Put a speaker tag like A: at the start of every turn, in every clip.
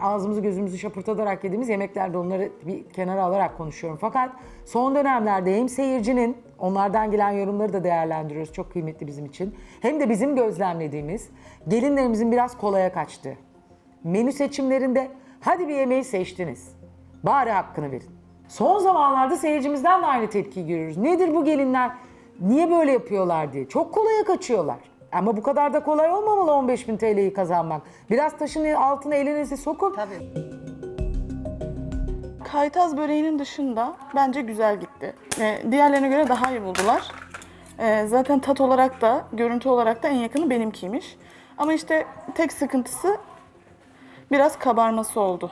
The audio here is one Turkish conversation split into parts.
A: ağzımızı gözümüzü şapırtatarak yediğimiz yemeklerde onları bir kenara alarak konuşuyorum. Fakat son dönemlerde hem seyircinin, onlardan gelen yorumları da değerlendiriyoruz. Çok kıymetli bizim için. Hem de bizim gözlemlediğimiz gelinlerimizin biraz kolaya kaçtı. Menü seçimlerinde hadi bir yemeği seçtiniz. Bari hakkını verin. Son zamanlarda seyircimizden de aynı tepkiyi görüyoruz. Nedir bu gelinler? Niye böyle yapıyorlar diye. Çok kolaya kaçıyorlar. Ama bu kadar da kolay olmamalı 15.000 TL'yi kazanmak. Biraz taşın altına elinizi sokun.
B: Tabii.
C: Kaytaz böreğinin dışında bence güzel gitti. Diğerlerine göre daha iyi buldular. Zaten tat olarak da, görüntü olarak da en yakını benimkiymiş. Ama işte tek sıkıntısı biraz kabarması oldu.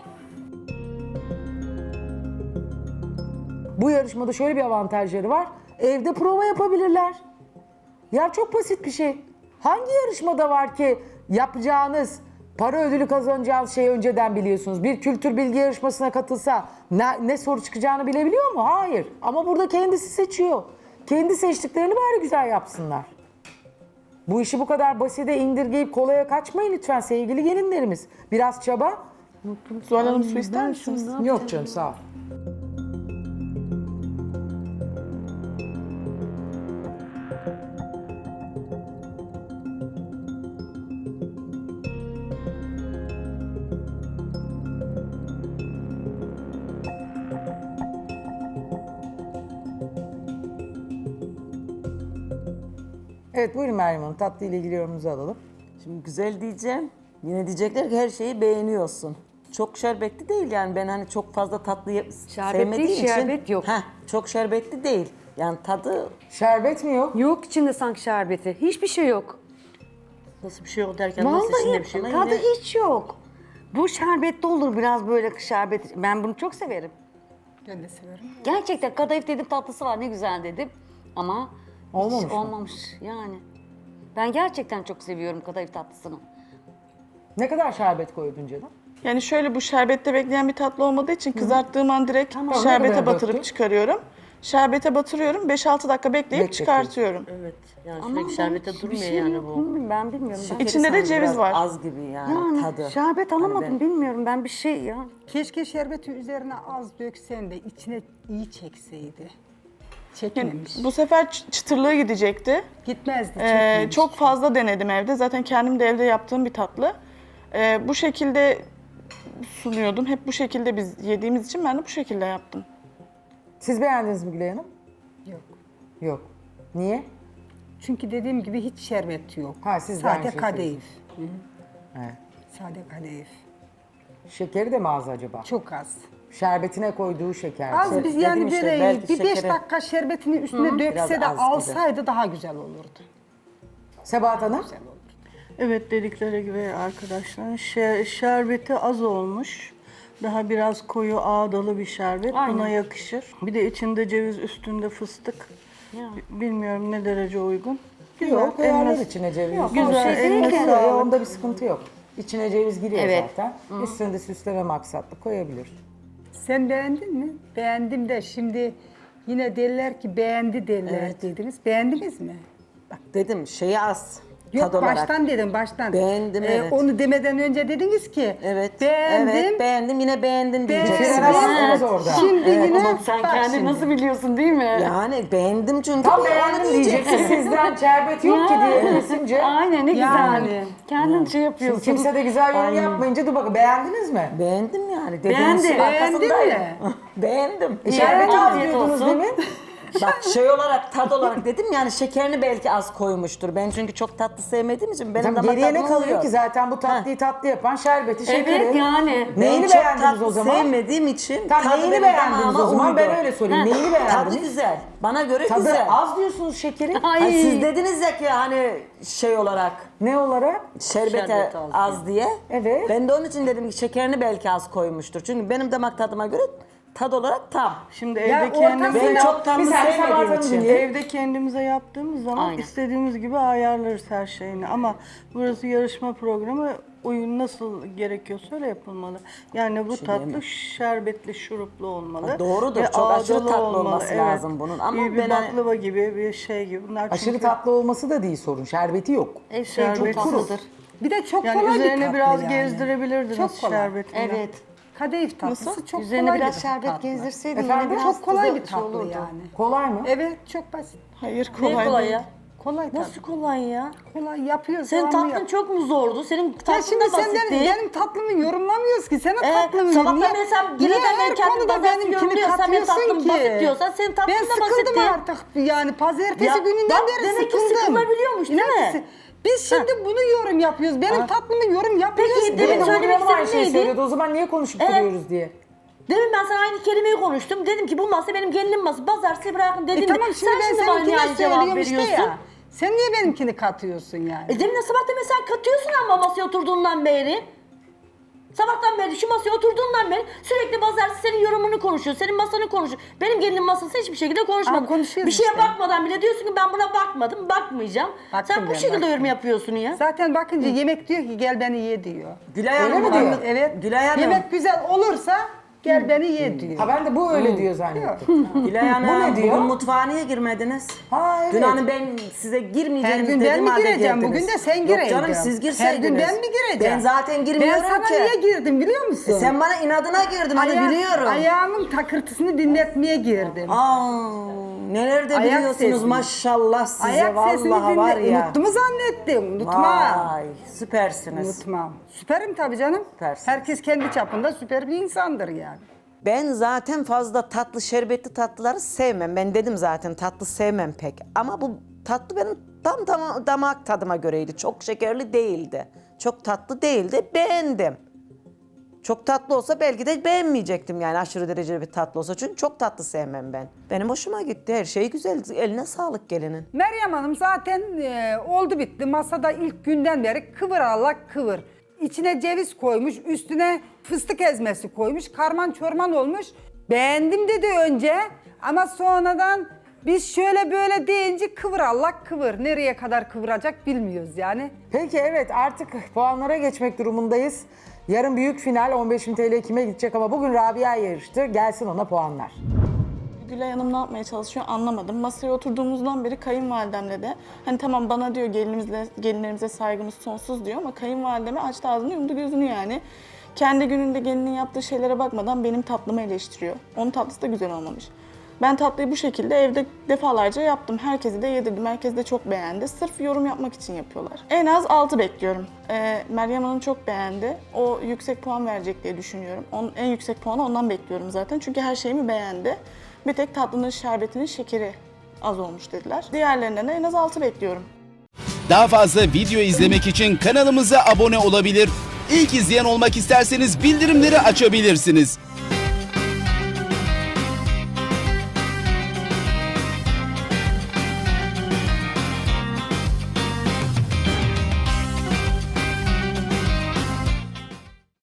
A: Bu yarışmada şöyle bir avantajları var. Evde prova yapabilirler. Ya çok basit bir şey. Hangi yarışmada var ki yapacağınız, para ödülü kazanacağınız şeyi önceden biliyorsunuz? Bir kültür bilgi yarışmasına katılsa ne soru çıkacağını bilebiliyor mu? Hayır. Ama burada kendisi seçiyor. Kendi seçtiklerini bari güzel yapsınlar. Bu işi bu kadar basite indirgeyip kolaya kaçmayın lütfen sevgili gelinlerimiz. Biraz çaba.
C: Zuhal Hanım su ister misiniz?
A: Yok canım sağ ol. Evet buyurun Meryem Hanım. Tatlı ile ilgili yorumunuzu alalım.
B: Şimdi güzel diyeceğim. Yine diyecekler ki her şeyi beğeniyorsun. Çok şerbetli değil yani ben hani çok fazla tatlı sevmediğim
D: değil,
B: için.
D: şerbet yok.
B: Çok şerbetli değil. Yani tadı
A: Şerbet mi yok?
D: Yok içinde sanki şerbeti. Hiçbir şey yok.
B: nasıl bir şey yok derken nasıl içinde
D: Vallahi
B: bir şey yok?
D: tadı hiç yok. Bu şerbetli olur biraz böyle şerbet. Ben bunu çok severim.
E: Ben de severim.
D: Gerçekten kadayıf dedim tatlısı var ne güzel dedim. Ama
A: Olmamış
D: hiç
A: mı?
D: olmamış yani. Ben gerçekten çok seviyorum kadayıf tatlısını.
A: Ne kadar şerbet koydun canım?
C: Yani şöyle bu şerbette bekleyen bir tatlı olmadığı için kızarttığım an direkt
A: Ne kadar
C: şerbete batırıp
A: döktün?
C: çıkarıyorum. Şerbete batırıyorum, 5-6 dakika bekleyip
A: Bekletiyorsun.
C: çıkartıyorum.
B: Evet. Yani
D: Ama
B: sürekli şerbete
D: bir
B: durmuyor
D: şey
B: yani
D: yok,
B: bu.
D: Ben bilmiyorum. Ben.
C: İçinde de ceviz
B: Biraz
C: var.
B: az gibi yani,
D: Yani
B: tadı.
D: şerbet
B: Hani
D: alamadım
B: ben-
D: bilmiyorum ben bir şey ya.
E: Keşke şerbeti üzerine az döksen de içine iyi çekseydi.
C: Yani
E: Çekmemiş.
C: bu sefer çıtırlığı gidecekti.
E: Gitmezdi, çekmemiş.
C: Çok fazla denedim evde. Zaten kendim de evde yaptığım bir tatlı. Bu şekilde sunuyordum. Hep bu şekilde biz yediğimiz için ben de bu şekilde yaptım.
A: Siz beğendiniz mi Gülay Hanım?
E: Yok.
A: Yok. Niye?
E: Çünkü dediğim gibi hiç şerbet yok.
A: Ha, siz de aynı
E: Sade
A: şeyi
E: kadayıf.
A: Evet.
E: Sade kadayıf.
A: Şekeri de mi az acaba?
E: Çok az.
A: Şerbetine koyduğu şeker.
E: Az biz
B: dedim
E: yani
B: işte,
E: böreği
B: belki
E: bir 5
B: şekeri-
E: dakika şerbetini üstüne dökse
B: Biraz
E: de
B: az gibi.
E: alsaydı daha güzel olurdu.
A: Sebahat Hanım?
E: Güzel olurdu.
F: Evet dedikleri gibi arkadaşlar şerbeti az olmuş. Daha biraz koyu ağdalı bir şerbet buna yakışır. Bir de içinde ceviz üstünde fıstık. Bilmiyorum ne derece uygun.
A: Yok, koyarlar
F: eline-
A: içine ceviz.
F: Güzel, eline
A: Yok,
F: sağlık.
A: onda bir sıkıntı yok. İçine ceviz giriyor
D: Evet.
A: zaten. Üstünde süsleme maksatlı koyabilir.
E: Sen beğendin mi? Beğendim de şimdi yine derler ki beğendi derler
B: Evet.
E: dediniz. Beğendiniz mi?
B: Dedim şeyi az.
E: Yok
B: tad olarak.
E: baştan dedim baştan.
B: Beğendim, evet.
E: Onu demeden önce dediniz ki
B: Evet.
E: beğendim.
B: Evet beğendim yine beğendim
E: Beğendim.
B: diyeceksin.
A: Frenlemezsiniz orada.
E: Şimdi yine
D: Sen
E: bak
D: kendini
E: şimdi.
D: nasıl biliyorsun değil mi?
B: Yani beğendim çünkü.
A: Tam
B: onu
A: beğendim diyeceksin. Sizden şerbet yok ki diye kesince.
D: Aynen ne
E: Yani.
D: güzel. Kendin şey yapıyorsun.
A: Şimdi kimse de güzel yorum yapmayınca dur bakın beğendiniz mi?
B: Beğendim yani.
D: Beğendim.
B: Dediğiniz
E: Beğendin
B: arkasındayım.
E: mi?
B: Beğendim.
A: Şerbeti az
D: afiyet
A: diyordunuz
D: olsun.
A: değil mi?
B: Bak şey olarak tad olarak dedim yani şekerini belki az koymuştur. Ben çünkü çok tatlı sevmediğim için benim
A: Tamam,
B: damak
A: geriye ne
B: tadıma
A: kalıyor
B: uyuyor.
A: ki zaten bu tatlıyı tatlı yapan şerbeti, şekeri.
D: Evet yani.
A: Neyini
B: Ben çok
A: beğendiniz
B: tatlı
A: o zaman?
B: sevmediğim için
A: Tam
B: tadı
A: neyini
B: benim
A: beğendiniz
B: damağıma
A: o zaman?
B: uydu.
A: Ben öyle sorayım. Neyini
B: Tadı
A: beğendiniz?
B: güzel. Bana göre
A: Tadı
B: güzel.
A: az diyorsunuz şekeri.
B: Hani siz dediniz ya ki hani şey olarak
A: Ne olarak?
B: şerbete
D: Şerbeti az
B: az diye.
A: Evet.
B: Ben de onun için dedim ki şekerini belki az koymuştur. Çünkü benim damak tadıma göre tad olarak tam.
F: Şimdi
E: Ya
F: evde kendimize,
B: Ben çok tatlı
A: Bir saniye,
B: sevmediğim
A: Sebahat Hanım
B: için.
A: dinleyelim.
F: evde kendimize yaptığımız zaman
D: Aynen.
F: istediğimiz gibi ayarlarız her şeyini. Ama burası yarışma programı oyun nasıl gerekiyorsa öyle yapılmalı. Yani bu tatlı şerbetli şuruplu olmalı.
B: Doğrudur,
F: ve
B: çok aşırı
F: ağdalı
B: tatlı
F: olmalı.
B: olması lazım bunun. Ama
F: bir
B: ben hani-
F: baklava gibi bir şey gibi. Bunlar
A: Aşırı
F: çünkü
A: tatlı olması da değil sorun. Şerbeti yok.
D: Ev şey çok
F: Şerbet-
D: tatlıdır.
E: Bir de çok
F: Yani
E: kolay bir
F: üzerine
E: tatlı
F: biraz
E: yani.
F: gezdirebilirdiniz
E: Çok kolay.
F: şerbetinden.
D: Evet.
E: Kadayıf tatlısı çok
D: Üzerine
E: kolay
D: biraz
E: bir
D: şerbet
E: tatlı.
D: gezdirseydin
A: Efendim?
D: yine biraz
E: Çok kolay bir
D: tadı
E: tatlı
D: olurdu.
E: yani.
A: Kolay mı?
E: Evet, çok basit.
C: Hayır
B: Ne
C: kolay,
B: kolay
C: değil.
B: ya?
E: Kolay tatlı.
B: Nasıl kolay ya?
E: Kolay yapıyoruz.
B: Senin
E: devamlı
B: tatlın
E: yap.
B: çok mu zordu? Senin
E: Ya
B: tatlın
E: şimdi
B: da
E: sen
B: basitti.
E: benim tatlımı yorumlamıyoruz ki. Senin tatlını
B: sabahtan
E: niye-
B: beri sen
E: niye
B: yine de ben
E: her
B: kendim
E: konuda
B: pazartesi
E: benimkini
B: yorumluyorsam benim
E: katıyorsun
B: tatlım
E: ki?
B: basit diyorsan senin tatlın
E: Ben
B: da
E: sıkıldım
B: basitti.
E: artık yani pazartesi
B: Ya,
E: gününden
B: bak,
E: beri
B: demek ki
E: sıkıldım.
B: sıkılabiliyormuş, değil
E: İnan
B: mi?
E: ki biz şimdi bunu yorum yapıyoruz. Benim tatlımı yorum yapıyoruz.
B: Peki,
E: diye.
B: demin söylemek
A: Hanım aynı
B: istediğin
A: şeyi
B: neydi?
A: söylüyordu. O zaman niye konuşup
B: Evet.
A: duruyoruz diye.
B: Demin ben sana aynı kelimeyi konuştum. Dedim ki bu masa benim gelinim masası. Pazartesi bırakın dedim.
E: Tamam
B: de.
E: şimdi
B: Sen
E: ben
B: bana niye
E: seninkine
B: aynı cevap
E: söylüyorum işte
B: veriyorsun?
E: ya. Sen niye benimkini katıyorsun yani?
B: Demin sabah demin sen katıyorsun ama masaya oturduğundan beri. Sabahtan beri şu masaya oturduğundan beri sürekli pazartesi senin yorumunu konuşuyor. Senin masanı konuşuyor. Benim gelinim masası hiçbir şekilde konuşmadı.
E: konuşuyoruz
B: Bir şeye
E: işte.
B: bakmadan bile diyorsun ki ben buna bakmadım, bakmayacağım.
E: Baktım
B: Sen bu
E: ben,
B: şekilde
E: baktım.
B: yorum yapıyorsun ya.
E: Zaten bakınca yemek diyor ki gel beni ye diyor.
B: Gülay
A: Öyle mi diyor?
E: Evet.
B: Gülay Hanım.
E: Yemek güzel olursa gel beni ye diyor.
A: Ha ben de bu öyle diyor zannettim.
G: Gülay Hanım,
A: Bu ne diyor?
G: bugün mutfağa niye girmediniz?
A: Ha evet.
G: Dün hani ben size
E: Her
G: girmeyeceğinizi
E: gün ben
G: dedim
E: mi
G: halde
E: gireceğim?
G: girdiniz.
E: Bugün de sen
G: Yok
E: gireydin.
G: canım siz girseydiniz.
E: Her gün ben mi gireceğim?
G: Ben zaten girmiyorum
E: Ben sana
G: ki.
E: niye girdim biliyor musun?
G: Sen bana inadına girdin onu biliyorum.
E: Ayağımın takırtısını dinletmeye girdim.
G: Aa, neler de
E: Ayak
G: biliyorsunuz
E: sesini.
G: maşallah size
E: Ayak sesini
G: vallahi var
E: dinle.
G: ya.
E: Unuttu mu zannettim? Unutmam.
G: Vay süpersiniz.
E: Unutmam. Süperim tabii canım.
G: Süpersiniz.
E: Herkes kendi çapında süper bir insandır yani.
G: Ben zaten fazla tatlı şerbetli tatlıları sevmem. Ben dedim zaten tatlı sevmem pek. Ama bu tatlı benim tam damak tadıma göreydi. Çok şekerli değildi. Çok tatlı değildi. Beğendim. Çok tatlı olsa belki de beğenmeyecektim yani aşırı derecede bir tatlı olsa. Çünkü çok tatlı sevmem ben. Benim hoşuma gitti. Her şey güzel. Eline sağlık gelinin.
E: Meryem Hanım zaten oldu bitti. Masada ilk günden beri kıvır Allah kıvır. İçine ceviz koymuş, üstüne fıstık ezmesi koymuş, karman çorman olmuş. Beğendim dedi önce ama sonradan biz şöyle böyle deyince kıvır Allah kıvır. Nereye kadar kıvıracak bilmiyoruz yani.
A: Peki evet artık puanlara geçmek durumundayız. Yarın büyük final 15.000 TL kime gidecek ama bugün Rabia yarıştı. Gelsin ona puanlar.
C: Gülay Hanım ne yapmaya çalışıyor anlamadım. Masaya oturduğumuzdan beri kayınvalidemle de hani tamam bana diyor gelinlerimize saygımız sonsuz diyor ama kayınvalideme açtı ağzını yumdu gözünü yani. Kendi gününde gelinin yaptığı şeylere bakmadan benim tatlımı eleştiriyor. Onun tatlısı da güzel olmamış. Ben tatlıyı bu şekilde evde defalarca yaptım. Herkese de yedirdim. Herkes de çok beğendi. Sırf yorum yapmak için yapıyorlar. En az 6 bekliyorum. Meryem Hanım çok beğendi. O yüksek puan verecek diye düşünüyorum. En yüksek puanı ondan bekliyorum zaten. Çünkü her şeyimi beğendi. Bir tek tatlının şerbetinin şekeri az olmuş dediler. Diğerlerinden de en az 6 bekliyorum.
H: Daha fazla video izlemek için kanalımıza abone olabilir. İlk izleyen olmak isterseniz bildirimleri açabilirsiniz.